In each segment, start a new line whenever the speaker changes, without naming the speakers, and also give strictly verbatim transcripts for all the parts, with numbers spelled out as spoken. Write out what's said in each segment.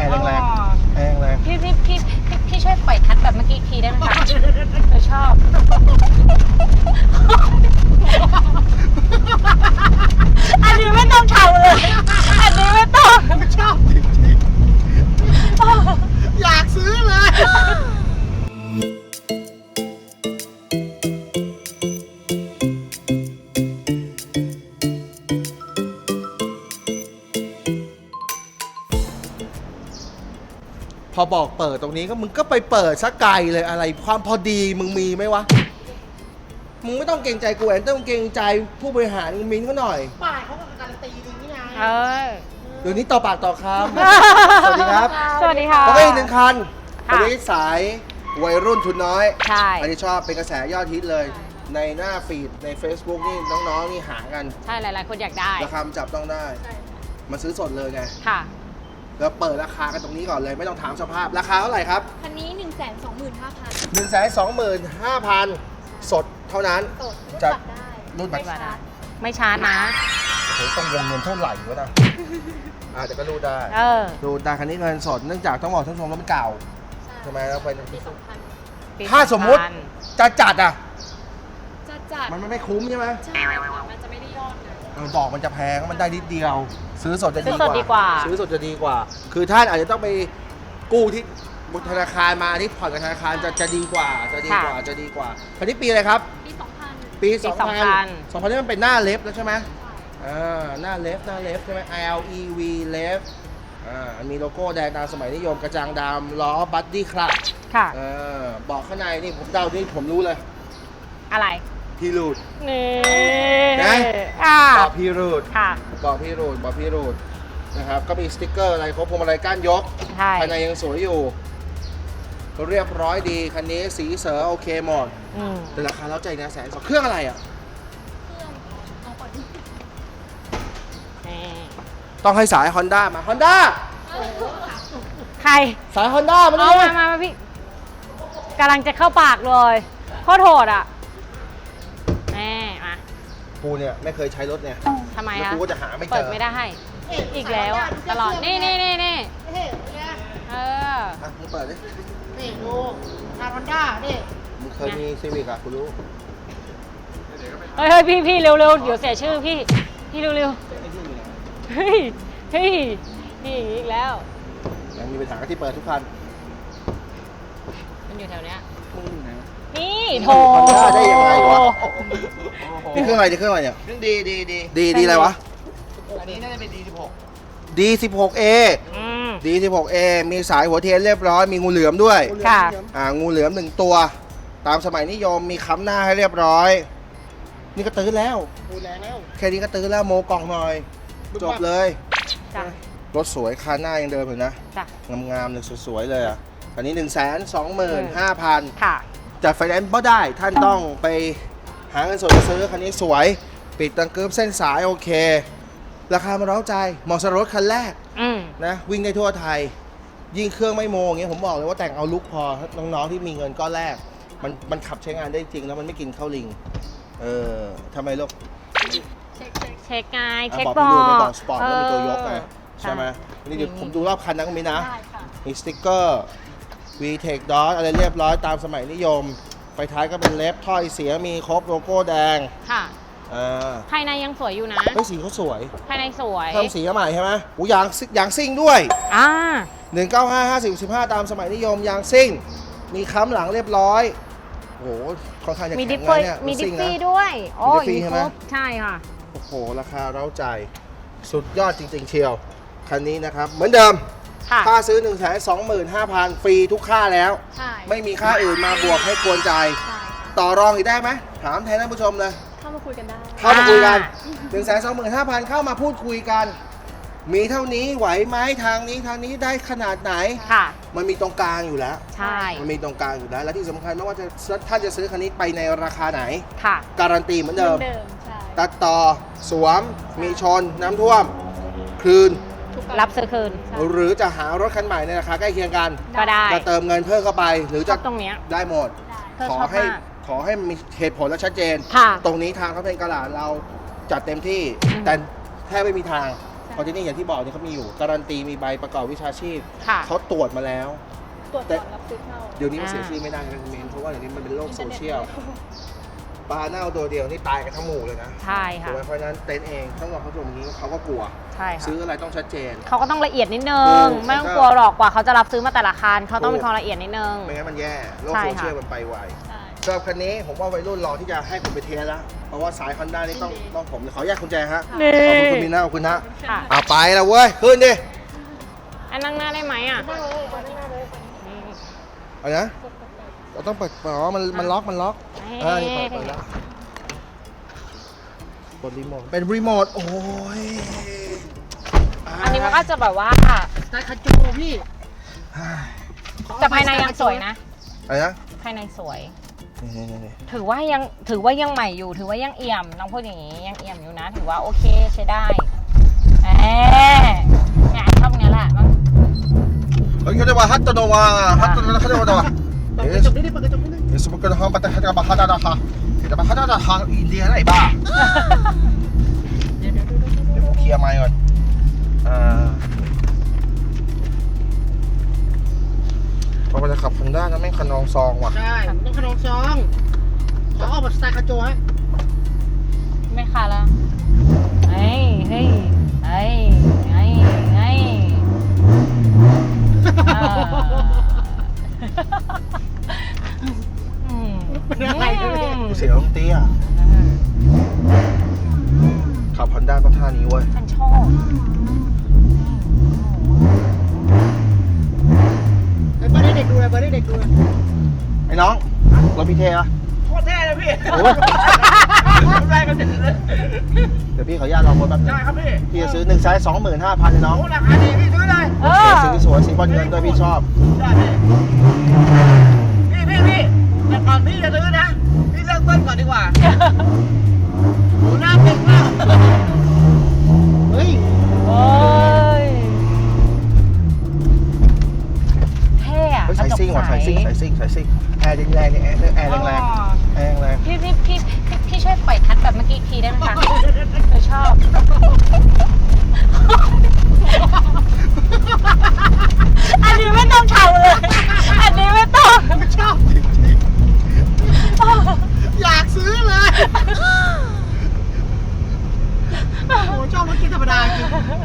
ร์แรงๆแอร์แรง
พี่พี่พี่พี่พี่ช่วยปล่อยคัดแบบเมื่อกี้อีกทีได้ไหมคะเราชอบอันนี้ไม่ต้องทำเลยอันนี้ไม่ต้อง
ๆชอบจริงๆอยากซื้อเลยพอบอกเปิดตรงนี้ก็มึงก็ไปเปิดซะไกลเลยอะไรความพอดีมึงมีไหมวะมึงไม่ต้องเกรงใจกูแอนต้องเกรงใจผู้บริหารมึงมินเขาหน่อย
ป้ายเขาก็การันตีดีนี่ไง
เออ
เดี๋ยวนี้ต่อปากต่อคำ สวัสดีครับ
สวัสดีค่ะ
แล้วก็อีกหนึ่งคัน
ค่ะ
อันนี้สายวัยรุ่นทุนน้อย
ใช่
อันนี้ชอบเป็นกระแสยอดฮิตเลย ในหน้าฟีดใน Facebook นี่น้องๆนี่หากัน
ใช่หลายๆคนอยากได้
ราคามันจับต้องได้มาซื้อสดเลยไง
ค่ะ
แล้วเปิดราคากันตรงนี้ก่อนเลยไม่ต้องถามสภาพราคาเท่าไหร่ครับ
คันนี้ หนึ่งแสนสองหมื่นห้าพัน
หนึ่งแสนสองหมื่นห้าพัน สดเท่านั้น
สดรูด
จะ
บัตรได้
รุ่นบัตร
ไม่ชาร์จไม่ชาร์จนะ
โอ้โหต้องวงเงินเท่าไหร่วะนะอ่าแต่ก็รูดได้
เออ
รูดได้คันนี้เงินสดเนื่องจากต้องบอกท่านผู้ชมว่ามันเก่าใช่ไหมแล้วเป็น
ปีสองพัน
ถ้าสมมุติจะจัดอ่ะ
จะจัด
มันไม่คุ้มใช่ไหม
ใช่ค่ะมันจะไม่ได้ยอดนะ
เออดอกมันจะแพงมันได้นิดเดียว ซื้อสดจะ
ซื้
ดี
อก สดดีก
ว่า
ว่า
ซื้อสดจะดีกว่า คือท่านอาจจะต้องไปกู้ที่ธนาคารมาที่ผ่อนกับธนาคารจะจะดีกว่าจะดีกว่าจะดีกว่าคันนี้ปีอะไรครับ
ปีสองพัน
ปี
ปี
สอง
สองพั
พัน
น
สองพันนี่มันเป็นหน้าเล็บแล้วใช่ไหมอ่าหน้าเล็บหน้าเล็บใช่ไหม L E V เล็บอ่ามีโลโก้แดงตามสมัยนิยมกระจังดำล้อบัดดี้ครับ
ค่ะ
เออบอกข้างในนี่ผมเดานี่ผมรู้เลย
อะไร
พี่รูด
นี่
นะ
อ่า
บอกพี่รูด
ค่ะ
บอกพี่รูดบอกพี่รูดนะครับก็มีสติ๊กเกอร์อะไรครบพวงมาลัยก้านยก
ใช่
ภายในยังสวยอยู่เรียบร้อยดีคันนี้สีเสือโอเคหมด
อืม
แต่ราคาเล้าใจนะแสนสองเครื่องอะไรอ่ะ
เครื่องเอาก่อน
นี่
ต้องให้สาย Honda มา Honda
ใคร
สาย Honda มา
เอา
ดิ
มามามาพี่กำลังจะเข้าปากเลยโคตรโหดอ่ะแม่มา
กูเนี่ยไม่เคยใช้รถเนี่ย
ทำไม
แล้ว
คะ
กูก็จะหาไม่เจ
เปิด
อ
ไม่ได้ให้อีกแล้วอะตลอด นี่นี่นี่นี่
เฮ้ยเนี่ย
เออ
อ่ะมึงเปิดดิ
นี่ดูทางฮอนด้านี่
มึงเคยมีซีวิกอ่ะกูรู้
เฮ้ยเฮ้ยพี่พี่เร็วเร็วเดี๋ยวเสียชื่อพี่ พี่เร็วเร็วเฮ้ยเฮ้ยนี่อีกแล้ว
ยังมีปัญหาที่เปิดทุกคัน
มันอยู่แถวเนี้ย
มึงอยู่ไหน
นี่โถ
Honda ได้ยังไงวะนี่เครื่องอะไรนี่เครื่องอะไรเนี่ย
ดีดีดี
ดีดีอะไรวะ
อันนี้น่าจะเป็นดีสิบหก
ดี สิบหก เอ
อืม
ดี สิบหก เอ มีสายหัวเทียนเรียบร้อยมีงูเหลือมด้วย
ค่ะ
อ่างูเหลือมหนึ่งตัว ตามสมัยนิยมมีค้ำหน้าให้เรียบร้อย นี่ก็ตื้อแล้ว
ดูแลแล้ว
แค่นี้ก็ตื้อแล้วโมกล่องหน่อย จบเลย
จ้ะ
รถสวยคันหน้ายังเดิมอยู่นะ
จ้ะ
งามๆเลยสวยๆเลยอ่ะ อันนี้ หนึ่งแสนสองหมื่นห้าพัน
ค่ะ
จัดไฟแนนซ์ก็ได้ ท่านต้องไปหาเงินสดมาซื้อคันนี้สวย ปิดตังเกิบเส้นสายโอเค ราคามันเร้าใจเหมาะสำหรับรถคันแรก
อืม
นะวิ่งได้ทั่วไทย ยิ่งเครื่องไม่โมอย่างเงี้ยผมบอกเลยว่าแต่งเอาลุกพอน้องๆที่มีเงินก้อนแรก มันมันขับใช้งานได้จริงแล้วมันไม่กินข้าวลิง เออทำไมลูก
เช็คเช็ค
เช็คไง
อ่ะ
เช็ค
บอก
บอ
พี่ดูใน
ก
บอกสปอร์ตแล้วมีตัวยกไง
เออ
ใช่ไหมนี่เดี๋ยว
มี
ผมดูรอบคันนั้นก็มีนะ
ได้ค่ะ
มีสติ๊กเกอร์ V-Tech Dot อะไรเรียบร้อยตามสมัยนิยม ไฟท้ายก็เป็นเล็บถ้อยเสียมีครบโลโก้แดง
ค่ะ
อ่า
ภายในยังสวยอยู่นะ
เฮ้ยสีเขาสวย
ภายในสวย
เพิ่มสีมาใหม่ใช่ไหมอูยางซิยางซิ่งด้วย
อ่า
หนึ่งเก้าห้า ห้าสิบ สิบห้าตามสมัยนิยมยางซิ่ง มีค้ำหลังเรียบร้อยโอ้โหค่อนข้างจะ
มี
แข็
ดิ
ง
ฟฟี่
นะเนี่ย
มีดิฟ
ซิ่งนะ
ฟี่ด้วยโอ้
มีดิฟฟี่
ย
ใช่ไหม
ครบใช่ค่ะ
โอ้โห ราคาเร้าใจ สุดยอดจริง ๆ เชียว คันนี้นะครับ เหมือนเดิม
ค่ะ
ค่าซื้อ หนึ่งแสนสองหมื่นห้าพัน ฟรีทุกค่าแล้ว
ใช่
ไม่มีค่าอื่นมาบวกให้กวนใจ
ใช่ค่ะ
ต่อรองอีกได้ไหมถามแทนท่านผู้ชมเลย
เข้ามาคุยกันได้
เข้ามาคุยกัน หนึ่งแสนสองหมื่นห้าพัน เข้ามาพูดคุยกัน มีเท่านี้ไหวไหมทางนี้ทางนี้ได้ขนาดไหน
ค่ะ
มันมีตรงกลางอยู่แล้ว
ใช่
มันมีตรงกลางอยู่แล้ว และที่สำคัญไม่ว่าจะท่านจะซื้อคันนี้ไปในราคาไหน
ค่ะ
การันตีเหมือนเดิม
เดิมใช่
ตัดต่อ สวม มีชน น้ำท่วม คืน
ทุก
รับซื้อคืน
หรือจะหารถคันใหม่ในราคาใกล้เคียงกัน
ก็ได้
จะเติมเงินเพิ่มเข้าไป หรือ
ช
จะ
อบตรงเนี้ย
ได้หมด
เธอ
ขอ
ชอบ
ให้
มาก
ขอให้มีเหตุผลและชัดเจน
ค่ะ
ตรงนี้ทางเขาเป็นกระดาษเราจัดเต็มที่
อืม
แต่แทบไม่มีทางเพราะที่นี่อย่างที่บอกเนี่ยเขามีอยู่การันตีมีใบประกอบวิชาชีพ
ค่ะ
เขาตรวจมาแล้ว
ตรวจก่อนรับซื้อเข้า
เดี๋ยวนี้มันเสีย
อ่า
ชื่อไม่ได้นะคุณเมนเพราะว่าเดี๋ยวนี้มันเป็นโลกโซเชียลปลาเน่าตัวเดียวนี่ตายกันทั้งหมู่เลยนะ
ใช่
ถู
ค่ะ
กไหมเพราะฉะนั้นเต็นท์เองถ้าเราเขาทำอย่างนี้เขาก็กลัว
ใช่ค่ะ
ซื้ออะไรต้องชัดเจน
เขาก็ต้องละเอียดนิดนึง
ถูก
ไม่ต้องกลัวหรอกกว่าเขาจะรับซื้อมาแต่ละคันเขาต้อง
ถู
มี
ก
ความละเอียดนิดนึง
ไม่งั้นมันแย่โลก
ใช่
โซ
ค่ะ
เชียลมันไปไว
ใช่
สำหรับคันนี้ผมว่าวัยรุ่นรอที่จะให้ผมไปเทสแล้วเพราะว่าสาย Honda นี่ต้องต้องผมขออนุญาตคุณแจฮะ
นี่
ขอบคุณคุณมีหน้าขอบคุณนะ
ค่ะ
อ่ะไปแล้วเว้ยขึ้นดิ
อันนั่งหน้าได้ไหมอ่ะ
นั่งเลยมานั่งเลย
เอานะเราต้องเปิดอ๋อมันมันล็อกมันล็อก
เฮ้ย
อ่านี่เปิดเปิดแล้วกดรีโมทเป็นรีโมทโอ้ย
อันนี้มันก็จะแบบว่า
สไตล์คาจูพี่
แต่ภายในยังสวยนะ
อะไรนะ
ภายในสวย
นี่นี่นี่
ถือว่ายังถือว่ายังใหม่อยู่ ถือว่ายังเอี่ยมน้องพูดอย่างนี้ยังเอี่ยมอยู่นะ ถือว่าโอเคใช้ได้แหมเนี่ยชอบเนี้ยแหละมัน
เฮ้ยเขาเรียกว่าฮัตโตโนวาฮัตโตโนวาเขาเรียกว่าอะไรวะ
เปิดกระจกนิดนึงเปิดกระจกนิดนึง
เดี๋ยวสมมติกระทำปัตตานีกับฮัตตาดาฮะแต่มาฮัตตาดาฮะอินเดียอะไรบ้า
เดี๋ยวเดี๋ยวเดี๋ยวเดี๋ยว
เดี๋ยวผมเคลียร์ไมค์ก่อนอ่าพอมันจะขับคันด้านนะแม่งคันนองซองว่ะ
ใช่ต้องขนมซองขอออกแบบสไตล์คาจูฮะ
ไม่ค่ะแล้วเฮ้ยเฮ้ยเฮ้ยเฮ้ยเฮ้ยอ่าอืม
เป็นอะไรกันเนี่ย
เสียงเตี้ยขับคันด้านต้องท่านี้เว้ย
ฉันชอบ
ไอ้เปิดให้เด็กดูเลยเปิดให้เด็กดูเลย
ไอ้น้องรถพี่เทอะ
โคตรเท่เลยพี่
โอ้ย
ได้กันเสร็จเลย
เดี๋ยวพี่ขออนุญาตลองรถแป๊บนึง
ได้ครับพี่
พี่จะซื้อหนึ่งไซส์สองหมื่นห้าพันเลยน้อง
โอ้ราคาดีพี่ซื้อเลย
เอ
โอ
อ
เคสีสวยสีบอลเงินด้วยพี่ชอบ
ได้พี่พี่พี่พี่แต่ก่อนพี่จะซื้อนะพี่เลิกเบิ้ลก่อนดีกว่า
หนูหน้าเป็นมากเฮ้ย
โอ้ยเท่อะ
เฮ้ย
กระ
สาย
จก
ซิ่งว่ะ
ใส
สายซิ่งสายซิ่งสายซิ่งแอร์แรงๆเนี่ยแอร์แอร์แรง
อ๋อ
ๆแอร์แรง
พี่พี่พี่พี่พี่ช่วยปล่อยทัดแบบเมื่อกี้อีกทีได้ไหมคะเราชอบ อันนี้ไม่ต้องทำเลย อันนี้ไม่ต้อง
ชอบอยากซื้อเลยโอ้โหชอบรถเกียร์ธรรมดาจริง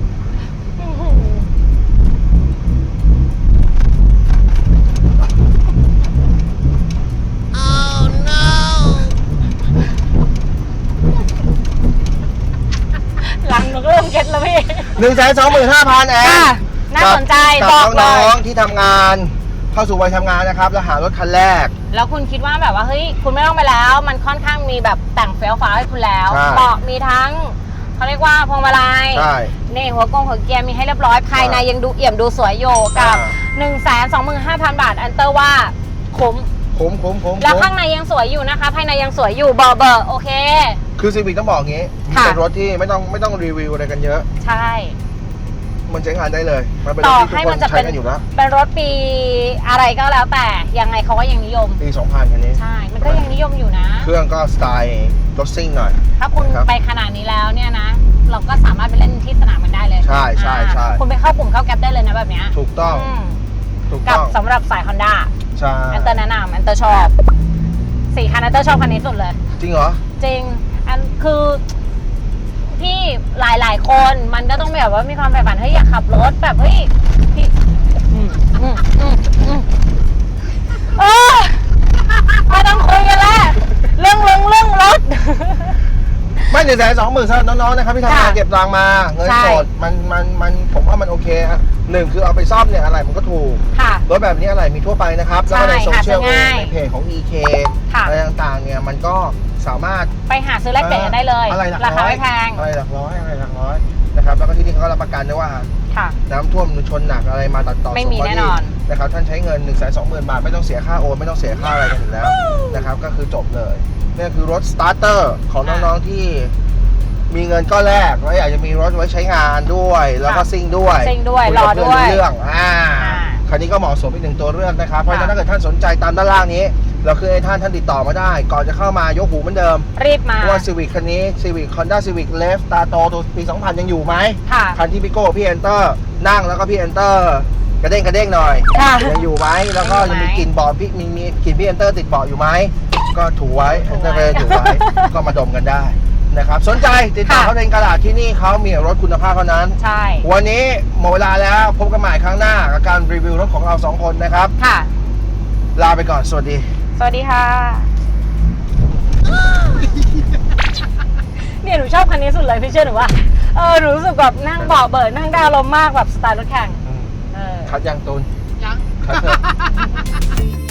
หลังหนูก็เริ่มเก็ตแล้วพี่
หนึ่งแสนสองหมื่นห้าพันแอ
ค่ะ
ร์
น่าสนใจ
กับ
บอกเล
น้อย งๆที่ทำงานเข้าสู่วัยทำงานนะครับแล้วหารถคันแรก
แล้วคุณคิดว่าแบบว่าเฮ้ยคุณไม่ต้องไปแล้ว มันค่อนข้างมีแบบแต่งเฟี้ยวฟ้าวให้คุณแล้ว
ใช่
เบาะมีทั้งเขาเรียกว่าพวงมาลัย
ใช่
นี่หัวกงหัวเกียร์มีให้เรียบร้อยภายในยังดูเอี่ยมดูสวยอยู่กับ
อ่า
1 2 5 0 0 0 บาท อันเตอร์ว่าคุ้ม
คุ้มคุ้มคุ้ม
แล้ว
คุ้ม
ข้างในยังสวยอยู่นะคะ ภายในยังสวยอยู่เบอร์เบอร์โอเค
คือซีวิกต้องบอกงี้
ค่ะ
เป็นรถที่ไม่ต้องไม่ต้องรีวิวอะไรกันเยอะ
ใช่
มันใช้งานได้เลย มันเป็นร
ต่
ถ
อ
ที่ทุก
ให้
ค
มัน นจะ
ใช้
เป็น
กันอยู่แล้ว
เป็นรถปีอะไรก็แล้วแต่ยังไงเขาก็ยังนิยม
ปีสองพันคันนี้
ใช่ มันก็ยังนิยมอยู่นะ
เครื่องก็สไตล์รถซิ่งหน่อย
ถ้าคุณ
ครับ
ไปขนาดนี้แล้วเนี่ยนะ เราก็สามารถไปเล่นที่สนามมันได้เลย
ใช่ใช่ใช่
อ่าคุณไปเข้ากลุ่มเข้าแก๊ปได้เลยนะแบบเนี้ย
ถูกต้อง
อืม
ถูก
กับ
ต้อง
สำหรับสาย Honda
ใช่
อันเตอร์แนะนำอันเตอร์ชอบสี่คันอันเตอร์ชอบคันนี้สุดเลย
จริงเหรอ
จริง อันคือพี่หลายๆคนมันก็ต้องแบบว่ามีความใฝ่ฝันเฮ้ยอยากขับรถแบบเฮ้ยพี่อืมอืมอืมอืมเออไม่ต้องคุยกันแล้วเรื่องเรื่องเรื่องรถ
ไม่หนึ่งแสนสองหมื่นสำหรับน้องๆนะครับที่ทำงาน
ค่ะ
เก็บตังค์มาเงิน
ใช่
สดมันมันมันผมว่ามันโอเคฮะหนึ่งคือเอาไปซ่อมเนี่ยอะไรมันก็ถูก
ค่ะ
รถแบบนี้อะไรมีทั่วไปนะครับ แล้วก็ใน
ใช่
โซเชียล
หาซื้อง่าย
ในเพจของ อี เค
ค่ะ
อะไรต่างๆเนี่ยมันก็สามารถ
ไปหาซื้อแลกเปลี่ยนกันได้เลย
อะไรหลัก
ราคา
ร้อย
ไม่แพง
อะไรหลักร้อยอะไรหลักร้อยนะครับแล้วก็ที่นี่เขาก็รับประกันด้วยว่า
ค่ะ
น้ำท่วมชนหนักอะไรมาตัดต่อ
ไม่มี
ส่งข้
แน่นอน
ดีนะครับท่านใช้เงิน หนึ่งแสนสองหมื่น บาทไม่ต้องเสียค่าโอนไม่ต้องเสียค่าอะไรกันอยู่แล้วนะครับก็คือจบเลยนี่คือรถสตาร์เตอร์ของน้องๆที่มีเงินก้อนแรกแล้วอยากจะมีรถไว้ใช้งานด้วย แล้วก็ซิ่งด้วย
ซิ่งด้วย
คุ
รอ
กับเพื่น
ด้วย
เรื่องอ่า
อ่า
คันนี้ก็เหมาะสมอีกหนึ่งตัวเลือกนะครับ เพราะฉะนั้น
ค่ะ
ถ้าเกิดท่านสนใจตามด้านล่างนี้ เราคือให้ท่านท่านติดต่อมาได้ ก่อนจะเข้ามายกหูเหมือนเดิม
รีบมา
เพราะว่า Civic คันนี้ Civic Honda Civic Leaf ตาโตตัวปี สองพัน ยังอยู่ไหม
ค่ะ
คันที่พี่โก้พี่เอนเตอร์นั่งแล้วก็พี่เอนเตอร์กระเด้งกระเด้งหน่อย
ค่ะ
ยังอยู่ไหมแล้วก็
ยั
ยัง
งอยู่ไหม
มีกลิ่นเบาะพี่มีมีกลิ่นพี่เอนเตอร์ติดเบาะอยู่ไหมก็ถูไว้เอนเตอร์ก็ถูไว้ ก็มาดมกันได้นะครับสนใจติดต่อ
ค่ะ
เขาเองกระดาษที่นี่เขามีรถคุณภาพเท่านั้น
ใช่
วันนี้หมดเวลาแล้วพบกันใหม่ครั้งหน้ากับการรีวิวรถของเราสองคนนะครับ
ค่ะ
ลาไปก่อนสวัสดี
สวัสดีค่ะ เนี่ยหนูชอบคันนี้สุดเลยพี่เชื่อหนูว่า เออหนูรู้สึกแบบนั่งเบาะเบิดนั่งได้อารมณ์มากแบบสไตล์รถแข่ง เออ
คัดยังตูน
ยัง
คัดเถอะ